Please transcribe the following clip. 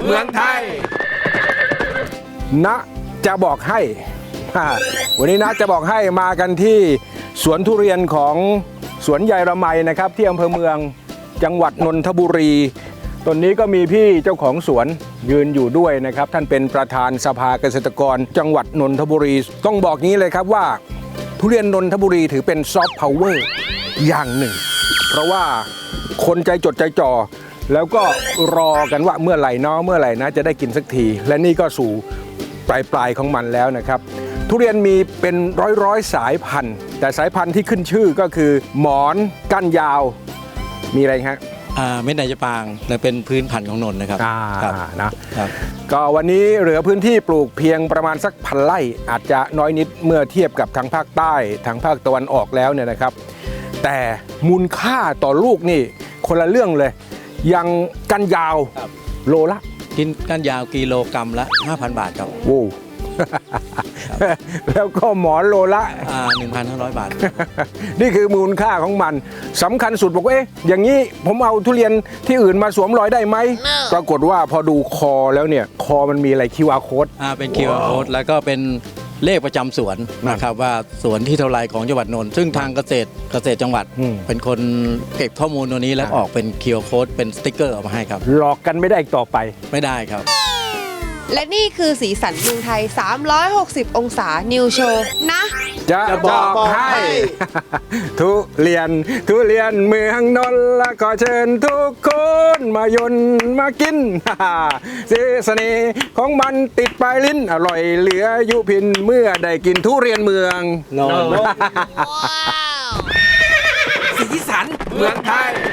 เมืองไทยนะจะบอกให้วันนี้นะจะบอกให้มากันที่สวนทุเรียนของสวนใหญ่ระไมนะครับที่อำเภอเมืองจังหวัดนนทบุรีตอนนี้ก็มีพี่เจ้าของสวนยืนอยู่ด้วยนะครับท่านเป็นประธานสภาเกษตรกรจังหวัดนนทบุรีต้องบอกงี้เลยครับว่าทุเรียนนนทบุรีถือเป็นซอฟต์พาวเวอร์อย่างหนึ่งเพราะว่าคนใจจดใจจ่อแล้วก็รอกันว่าเมื่อไหร่นะจะได้กินสักทีและนี่ก็สู่ปลายของมันแล้วนะครับทุเรียนมีเป็นร้อยสายพันธุ์แต่สายพันธุ์ที่ขึ้นชื่อก็คือหมอนก้านยาวมีอะไรฮะเม็ดนายจะปางและเป็นพื้นพันธุ์ของนนท์นะครับนะครับก็วันนี้เหลือพื้นที่ปลูกเพียงประมาณสัก1,000 ไร่อาจจะน้อยนิดเมื่อเทียบกับทางภาคใต้ทางภาคตะวันออกแล้วเนี่ยนะครับแต่มูลค่าต่อลูกนี่คนละเรื่องเลยยังก้านยาวโลละกินก้านยาวกิโลกรัมละ 5,000 บาทครับโว้ แล้วก็หมอนโลละ 1,500 บาทนี่คือมูลค่าของมันสำคัญสุดบอกว่าอย่างนี้ผมเอาทุเรียนที่อื่นมาสวมรอยได้ไหม ปรากฏว่าพอดูคอแล้วเนี่ยคอมันมีอะไร QR code เป็น QR code แล้วก็เป็นเลขประจำสวนนะครับว่าสวนที่เท่าไรของจังหวัดนนท์ซึ่งทางเกษตรจังหวัดเป็นคนเก็บข้อมูลตัวนี้แล้วออกเป็น QR code เป็นสติ๊กเกอร์ออกมาให้ครับหลอกกันไม่ได้อีกต่อไปไม่ได้ครับและนี่คือสีสันเมืองไทย360องศานิวโชว์นะจะบอกให้ทุเรียนเมืองนนท์และขอเชิญทุกคนมายนมากินเสน่ห์ของมันติดปลายลิ้นอร่อยเหลือยุพินเมื่อได้กินทุเรียนเมืองนนท์สีสันเมืองไทย